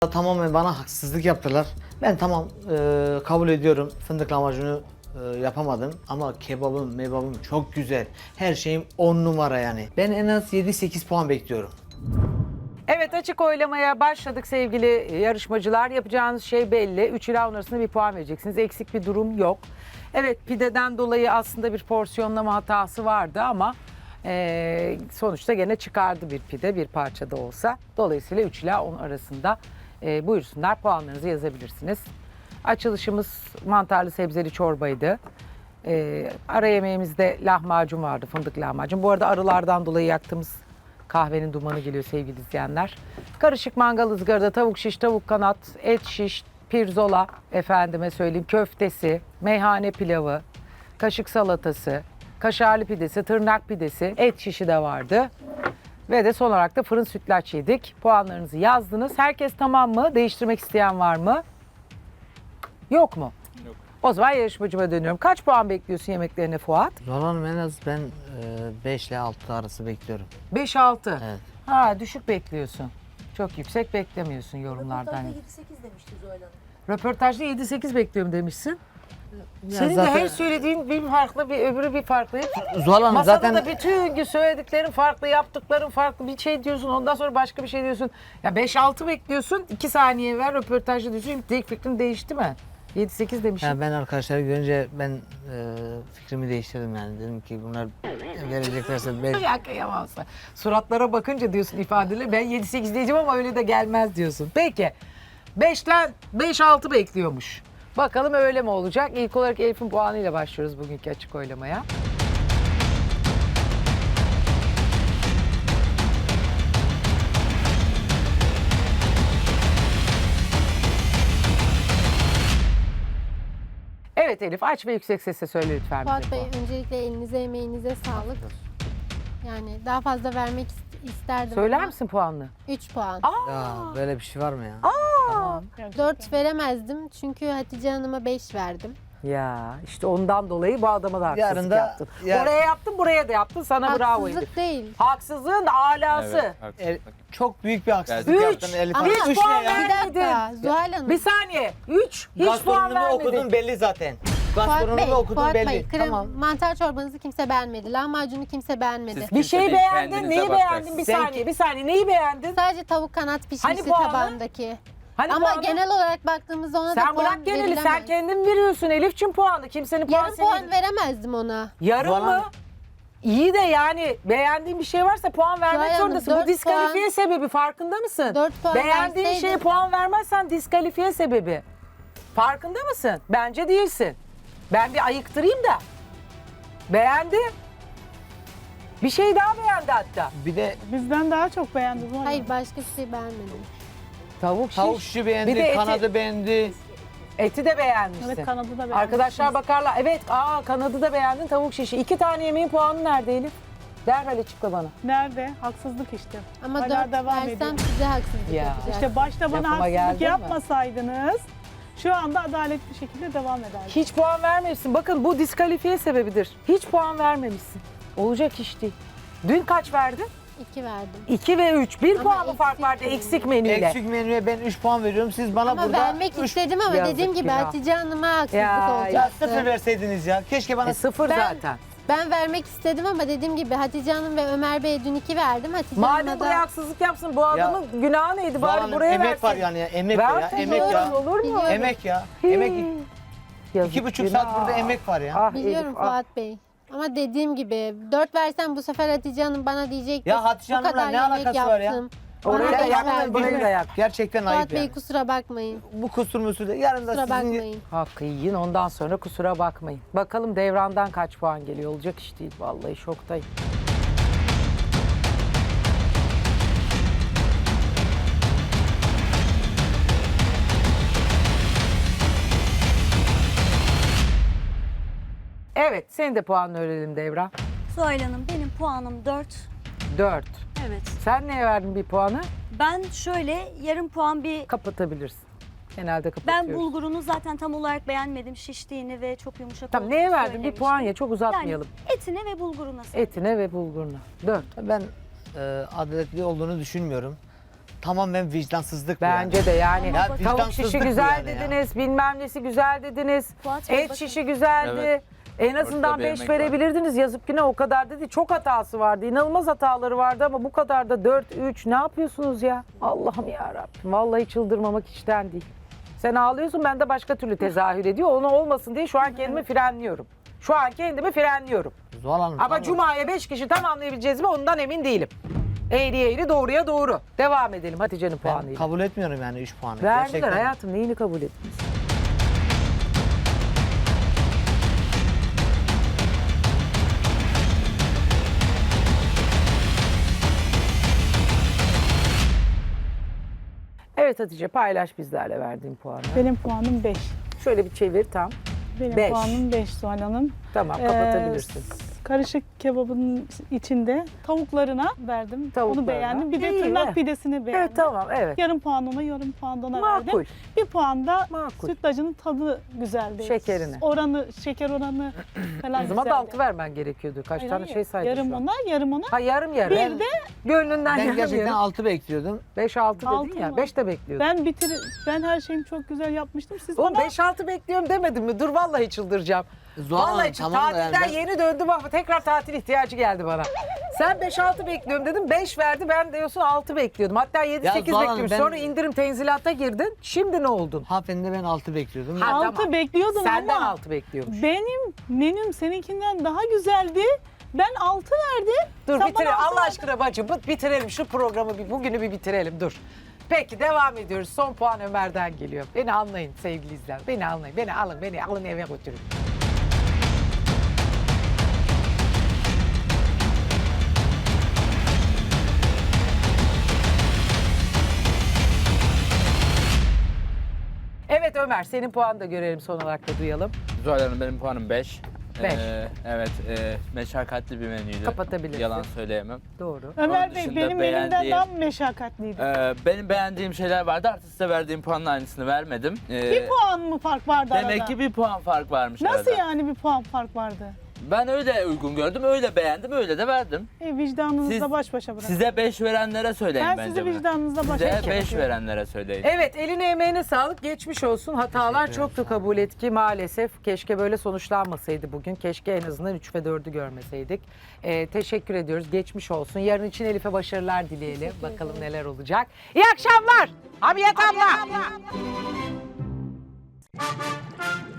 Tamamen bana haksızlık yaptılar. Ben tamam kabul ediyorum. Fındık lahmacunu yapamadım ama mebabım çok güzel. Her şeyim 10 numara yani. Ben en az 7-8 puan bekliyorum. Evet, açık oylamaya başladık sevgili yarışmacılar. Yapacağınız şey belli. 3 ila 10 arasında bir puan vereceksiniz. Eksik bir durum yok. Evet, pideden dolayı aslında bir porsiyonlama hatası vardı ama sonuçta gene çıkardı bir pide, bir parça da olsa. Dolayısıyla 3 ila 10 arasında buyursunlar, puanlarınızı yazabilirsiniz. Açılışımız mantarlı sebzeli çorbaydı. Ara yemeğimizde lahmacun vardı, fındık lahmacun. Bu arada arılardan dolayı yaktığımız kahvenin dumanı geliyor sevgili izleyenler. Karışık mangal ızgarada tavuk şiş, tavuk kanat, et şiş, pirzola, efendime söyleyeyim köftesi, meyhane pilavı, kaşık salatası, kaşarlı pidesi, tırnak pidesi, et şişi de vardı. Ve de son olarak da fırın sütlaç yedik. Puanlarınızı yazdınız. Herkes tamam mı? Değiştirmek isteyen var mı? Yok mu? Yok. O zaman yarışmacıma dönüyorum. Kaç puan bekliyorsun yemeklerine Fuat? Zuhal Hanım en az ben 5 ile 6 arası bekliyorum. 5-6. Evet. Ha, düşük bekliyorsun. Çok yüksek beklemiyorsun yorumlardan. Röportajda 7-8 demişti Zuhal Hanım. Röportajda 7-8 bekliyorum demişsin. Ya Senin zaten- de her söylediğin bir farklı, bir öbürü bir farklı. Zuhal Hanım Masada zaten da bütün gün söylediklerin farklı, yaptıkların farklı. Bir şey diyorsun, ondan sonra başka bir şey diyorsun. Ya 5-6 bekliyorsun, 2 saniye ver röportajda diyorsun. Şimdi fikrin değişti mi? 7-8 demişsin. ya ben arkadaşları görünce ben fikrimi değiştirdim yani. Dedim ki bunlar vereceklerse 5. Ya kıyamazsın. Suratlara bakınca diyorsun ifadeleri. Ben 7-8 diyeceğim ama öyle de gelmez diyorsun. Peki. 5'ten 5-6 bekliyormuş. Bakalım öyle mi olacak? İlk olarak Elif'in puanıyla başlıyoruz bugünkü açık oylamaya. Evet Elif, aç ve yüksek sesle söyle lütfen bize Fuat Bey, puanı. öncelikle elinize emeğinize sağlık. Yani daha fazla vermek isterdim Söyler ama misin puanını? 3 puan. Ya böyle bir şey var mı ya? Tamam. 4 veremezdim çünkü Hatice Hanım'a 5 verdim. Ya işte ondan dolayı bu adama da haksızlık Yarın da- yaptın. ya- Oraya yaptın, buraya da yaptın. Sana bravo Elif. Haksızlık değil. Haksızlığın alası. Evet, haklısın. Çok büyük bir haksızlık Üç. yaptın Elif Ama Hanım. Hiç Üç puan ne ya? bir dakika Zuhal Hanım. Bir saniye. 3. Hiç puan Gastronomi vermedin. okudun belli zaten. Fuat Gastronomi Bey, okudun Fuat belli. Bey, Tamam. mantar çorbanızı kimse beğenmedi. Lahmacunu kimse beğenmedi. Siz- Bir şey Kimse değil, beğendin. kendinize Neyi beğendin? Bir bakacaksın. saniye. Bir saniye. Neyi beğendin? Sadece tavuk kanat pişmişti Hani puanı? tabağındaki. Hani Ama puanı? genel olarak baktığımızda ona da Sen puan bırak geneli. Sen verilemez. kendin veriyorsun Elif'cim puanı. Kimsenin puanı Yarım puan senin. veremezdim ona. Yarım Zuhal mı? Hanım. İyi de yani beğendiğin bir şey varsa puan vermek Zuhal Hanım, zorundasın. Bu 4 diskalifiye puan. sebebi, farkında mısın? 4 puan Beğendiğin verseydin- şeye puan vermezsen diskalifiye sebebi. Farkında mısın? Bence değilsin. Ben bir ayıktırayım da. Beğendi. Bir şey daha beğendi hatta. Bir de Bizden daha çok beğendi bu arada. Hayır, başka bir şey beğenmedim. Tavuk şiş. tavuk şişi beğendi, Bir de eti- kanadı beğendi. Eti de beğenmişsin. Evet, kanadı da beğendim. Arkadaşlar bakarlar. Evet, kanadı da beğendin, tavuk şişi. 2 tane yemeğin puanı nerede Elif? Derhal açıkla bana. Nerede? Haksızlık işte. Ama Hala 4 devam versem ediyor. size haksızlık Ya. yapacağım. İşte başta bana Lafıma geldin haksızlık mi? yapmasaydınız şu anda adaletli şekilde devam ederdik. Hiç puan vermemişsin. Bakın bu diskalifiye sebebidir. Hiç puan vermemişsin. Olacak iş değil. Dün kaç verdin? 2 verdim. 2 ve 3. 1 Ama puan mı fark eksik vardı menü. eksik menüyle? Eksik menüye ben 3 puan veriyorum. Siz bana Ama burada vermek üç- istedim ama Yazık dediğim gibi günah. Hatice Hanım'a haksızlık Ya, Ya olacaktı. 0 verseydiniz ya. Keşke bana 0 Ben- zaten. Ben vermek istedim ama dediğim gibi Hatice Hanım ve Ömer Bey'e dün 2 verdim. Hatice Madem Hanım'a buraya da haksızlık yapsın bu adamın günahı neydi? Zuhal Bari Hanım, buraya emek versin. var yani ya. Emek var ya. Versin, Emek ya. olur mu? Biliyorum. Emek ya. Emek. Yazık 2,5 saat günah. burada emek var ya. Ah biliyorum Elif, ah. Fuat Bey. Ama dediğim gibi 4 versem bu sefer Hatice Hanım bana diyecek Ya Hatice bu Hanım'la kadar ne yemek alakası var ya? yaptım. Oraya Bana da beş yak, verdin. buraya da yak. Gerçekten Fuat ayıp Bey yani. kusura bakmayın. Bu kusur musur da yarın da Kusura sizin bakmayın. Hakkı yiyin ondan sonra kusura bakmayın. Bakalım Devran'dan kaç puan geliyor, olacak iş değil. Vallahi şoktayım. Evet, senin de puanını öğrenelim Devran. Zuhal Hanım, benim puanım 4. 4. Evet. Sen neye verdin bir puanı? Ben şöyle yarım puan Kapatabilirsin. Genelde ben kapatıyoruz. bulgurunu zaten tam olarak beğenmedim. Şiştiğini ve çok yumuşak Tamam, olduğunu neye verdin? Bir söylemiştim. puan ya, çok uzatmayalım. Yani etine ve bulguruna. Etine ve bulguruna. 4. Ben adaletli olduğunu düşünmüyorum. tamamen vicdansızlık bu yani. Bence de yani Ya tavuk vicdansızlık şişi bu güzel yani ya. dediniz, bilmem nesi güzel dediniz, Fuat Bey, et bakın. şişi güzeldi. Evet. En azından Ortada bir 5 emek var. verebilirdiniz. Yazık ki ne o kadar dedi. Çok hatası vardı. İnanılmaz hataları vardı ama bu kadar da 4, 3 ne yapıyorsunuz ya? Allah'ım ya Rabbim. Vallahi çıldırmamak içten değil. Sen ağlıyorsun, ben de başka türlü tezahür ediyor. Onu olmasın diye şu an kendimi frenliyorum. Şu an kendimi frenliyorum. Zuhal Hanım. Ama tamam. Cuma'ya 5 kişi tamamlayabileceğiz mi ondan emin değilim. Eğri eğri doğruya doğru. Devam edelim Hatice'nin Ben puanıyla. kabul etmiyorum yani 3 puanı. Verdiler Gerçekten. hayatım, neyini kabul ettiniz? Evet Hatice, paylaş bizlerle verdiğin puanı. Benim puanım 5. Şöyle bir çevir tam. Benim Beş. puanım 5 Zuhal Hanım. Tamam, kapatabilirsin. Karışık kebabın içinde tavuklarına verdim. Tavuklarına. Onu beğendim. Bir de İyi, tırnak evet. pidesini beğendim. Evet tamam, evet. Yarım puan ona, yarım puan da ona Makul. verdim. Bir puan da Makul. sütlacının tadı güzeldi. Şekerine. Şeker oranı falan O zaman da güzeldi. 6 vermen gerekiyordu. Kaç Hayır, tane hayır. şey saydın Yarım şu an? ona, yarım ona. Ha yarım yarım. Bir de Gönlünden Ben yarım gerçekten yarım. 6 bekliyordum. 5-6 dedin Altı ya. mı? 5 de bekliyordun. ben her şeyimi çok güzel yapmıştım. Siz Oğlum bana 5-6 bekliyorum demedin mi? Dur vallahi çıldıracağım. Zuhal Hanım, Vallahi tamam da yani tatilden ben- yeni döndüm ama tekrar tatil ihtiyacı geldi bana. Sen 5-6 bekliyorum dedim, 5 verdi, ben diyorsun 6 bekliyordum. Hatta 7-8 Ya Zuhal Hanım, bekliyorum. ben- Sonra indirim tenzilata girdin. Şimdi ne oldun? Hanımefendi ben 6 bekliyordum. Ha, altı tamam. bekliyordum Senden ama 6 bekliyormuş. benim menüm seninkinden daha güzeldi. Ben 6 verdim. Dur Sen bitirelim. bana altı Allah verdin. aşkına bacım bitirelim şu programı, bugünü bir bitirelim dur. Peki devam ediyoruz. Son puan Ömer'den geliyor. Beni anlayın sevgili izleyenler. Beni anlayın. Beni alın eve götürün. Evet Ömer, senin puanını da görelim, son olarak da duyalım. Zuhal Hanım benim puanım 5. Beş. Evet, meşakkatli bir menüydü. Kapatabilirsin. Yalan söyleyemem. Doğru. Ömer Onun Bey dışında benim menümden beğendiğim- daha meşakkatliydi. Benim beğendiğim şeyler vardı. Artık size verdiğim puanın aynısını vermedim. Bir puan mı fark vardı arada? Demek ki bir puan fark varmış Nasıl arada. yani bir puan fark vardı? Ben öyle uygun gördüm, öyle beğendim, öyle de verdim. Vicdanınızla Siz- baş başa bırakın. Size 5 verenlere söyleyin Ben bence sizi bunu. vicdanınızla baş Size başa 5 bırakıyorum. verenlere söyleyin. Evet, eline emeğine sağlık, geçmiş olsun. Hatalar çoktu, kabul et ki maalesef. Keşke böyle sonuçlanmasaydı bugün. Keşke en azından 3 ve 4'ü görmeseydik. Teşekkür ediyoruz, geçmiş olsun. Yarın için Elif'e başarılar dileyelim. Bakalım neler olacak. İyi akşamlar. Hamiyet abla.